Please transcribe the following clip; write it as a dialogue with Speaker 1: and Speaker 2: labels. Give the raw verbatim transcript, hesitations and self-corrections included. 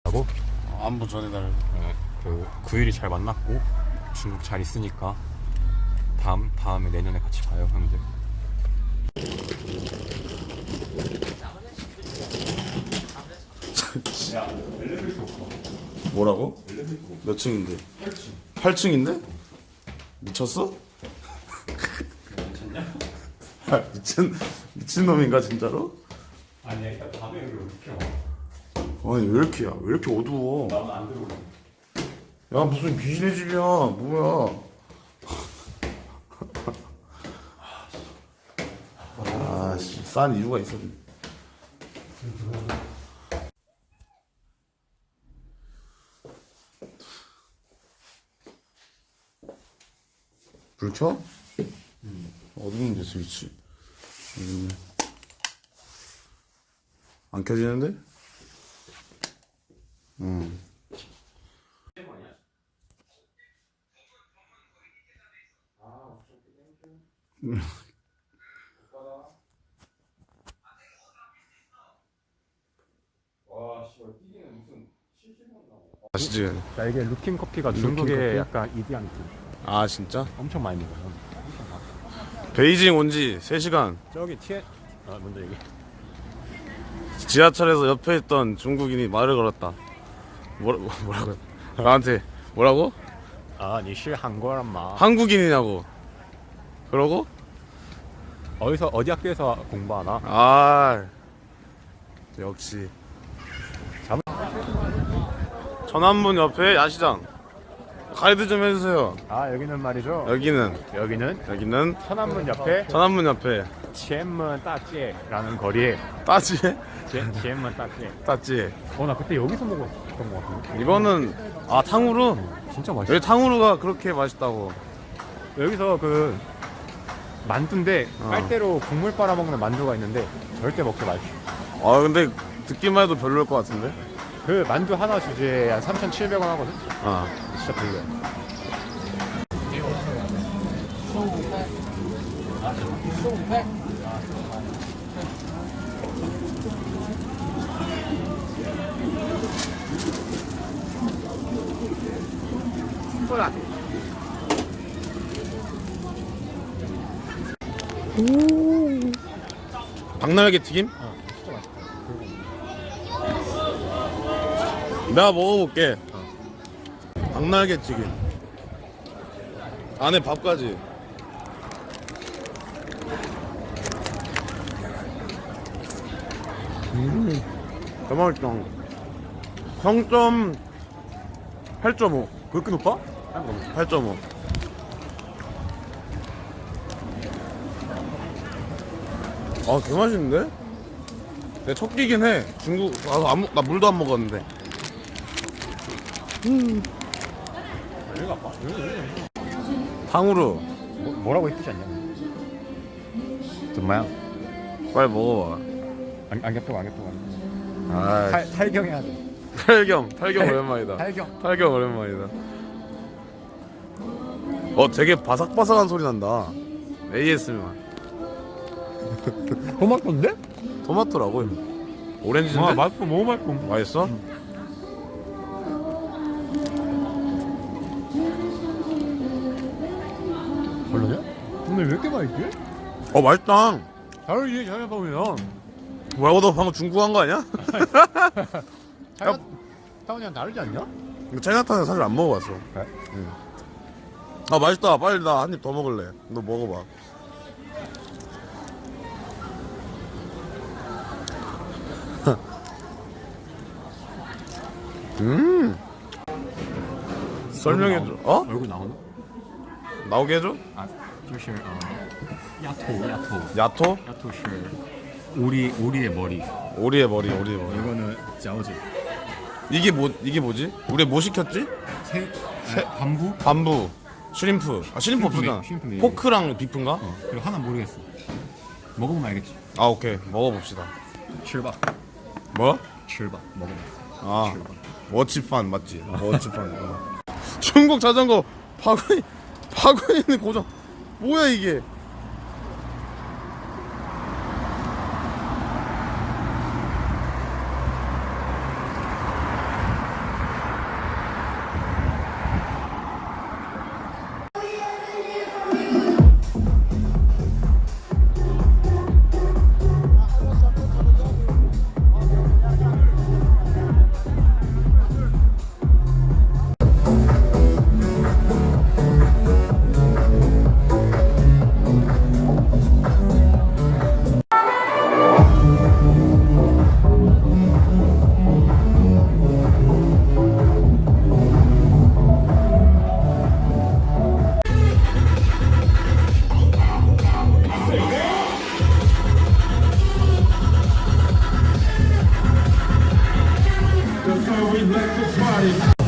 Speaker 1: 하고
Speaker 2: 어, 안부 전해달.
Speaker 1: 어, 그 구일이 잘 만났고 중국 잘 있으니까 다음 다음에 내년에 같이 봐요 형들.
Speaker 2: 뭐라고? 몇 층인데? 팔 층인데? 미쳤어? 아, 미친 미친놈인가 진짜로?
Speaker 1: 아니 일단 밤에 여기 이렇게
Speaker 2: 아니 왜 이렇게 야? 왜 이렇게 어두워?
Speaker 1: 나는 안 들어오네.
Speaker 2: 야 무슨 귀신의 집이야? 뭐야? 아씨 싼 이유가 있어. 불 켜? 음. 어디 있는데 스위치? 음. 안 켜지는데? 음. 아시지?
Speaker 1: 자 이게 루킨 커피가 중국의
Speaker 2: 커피?
Speaker 1: 약간 이디안티
Speaker 2: 아 진짜?
Speaker 1: 엄청 많이 먹어요.
Speaker 2: 베이징 온 지 세 시간.
Speaker 1: 저기 티에 아 먼저 얘기.
Speaker 2: 지하철에서 옆에 있던 중국인이 말을 걸었다. 뭐라, 뭐라고? 나한테 뭐라고?
Speaker 1: 아, 你是韩国人吗?
Speaker 2: 한국인이냐고. 그러고
Speaker 1: 어디서 어디 학교에서 공부하나?
Speaker 2: 아 역시
Speaker 1: 잠-
Speaker 2: 천안문 옆에 야시장 가이드 좀 해주세요.
Speaker 1: 아 여기는 말이죠.
Speaker 2: 여기는
Speaker 1: 여기는
Speaker 2: 여기는
Speaker 1: 천안문 옆에
Speaker 2: 천안문 옆에
Speaker 1: 치엔문 따지에라는 거리에
Speaker 2: 따지에
Speaker 1: 치엔문 따지에.
Speaker 2: 따지에
Speaker 1: 어 나 그때 여기서 먹었던 것 같은데.
Speaker 2: 이거는 아 탕후루.
Speaker 1: 진짜 맛있어.
Speaker 2: 여기 탕후루가 그렇게 맛있다고.
Speaker 1: 여기서 그 만두인데
Speaker 2: 어.
Speaker 1: 빨대로 국물 빨아 먹는 만두가 있는데 절대 먹지 마십시오.
Speaker 2: 아 근데 듣기만 해도 별로일 것 같은데.
Speaker 1: 그 만두 하나 주제에 한 삼천칠백 원 하거든.
Speaker 2: 아
Speaker 1: 진짜 별로야.
Speaker 2: 박날개 튀김?
Speaker 1: 어, 진짜 맛있다.
Speaker 2: 내가 먹어볼게. 박날개 튀김. 안에 밥까지. 음, 더 맛있다. 평점 팔 점 오.
Speaker 1: 그렇게 높아?
Speaker 2: 팔 점 오. 아, 개 맛있는데? 내 첫 끼긴 해. 중국, 아, 안, 먹- 나 물도 안 먹었는데. 음.
Speaker 1: 여기가 아파? 여기 여기.
Speaker 2: 탕후루.
Speaker 1: 뭐, 뭐라고 했지 않냐? 정말야?
Speaker 2: 빨리 먹어봐.
Speaker 1: 안, 안개표가 안개표가.
Speaker 2: 아,
Speaker 1: 탈 탈경해야 돼.
Speaker 2: 탈경. 탈경 오랜만이다.
Speaker 1: 탈경.
Speaker 2: 탈경 오랜만이다. 어, 되게 바삭바삭한 소리 난다. 에이에스엠알.
Speaker 1: 토마토인데?
Speaker 2: 토마토라고. 오렌지인데?
Speaker 1: 아 맛있어, 너무 맛있어.
Speaker 2: 맛있어?
Speaker 1: 별로냐? 근데 왜 이렇게 맛있지?
Speaker 2: 어, 맛있다.
Speaker 1: 다르지 자연보면.
Speaker 2: 뭐라고, 너 방금 중국 한 거 아니야?
Speaker 1: 타운이랑 다르지 않냐?
Speaker 2: 이거 차이나타운에서 사실 안 먹어봤어.
Speaker 1: 그래?
Speaker 2: 아, 맛있다. 빨리 나 한 입 더 먹을래. 너 먹어봐. 음. 설명해줘. 어?
Speaker 1: 얼굴 나오나?
Speaker 2: 나오게 해줘?
Speaker 1: 아, 就是呃丫头丫头
Speaker 2: 야토?
Speaker 1: 丫头是 오리 오리의 머리.
Speaker 2: 오리의 머리, 오리의 머리.
Speaker 1: 이거는 짜오지.
Speaker 2: 이게 뭐, 이게 뭐지? 우리 뭐 시켰지?
Speaker 1: 새, 새 밤부?
Speaker 2: 밤부, 슈림프. 아, 슈림프 없었잖아.
Speaker 1: 슈림프 메뉴.
Speaker 2: 포크랑 비프인가?
Speaker 1: 어, 그리고 하나 모르겠어. 먹어보면 알겠지.
Speaker 2: 아, 오케이. 먹어봅시다.
Speaker 1: 칠밥.
Speaker 2: 뭐?
Speaker 1: 칠밥 먹어봐.
Speaker 2: 아, 워치판 맞지? 워치판. 어. 중국 자전거 바구니 바구니 있는 고정. 뭐야 이게?
Speaker 3: electric party.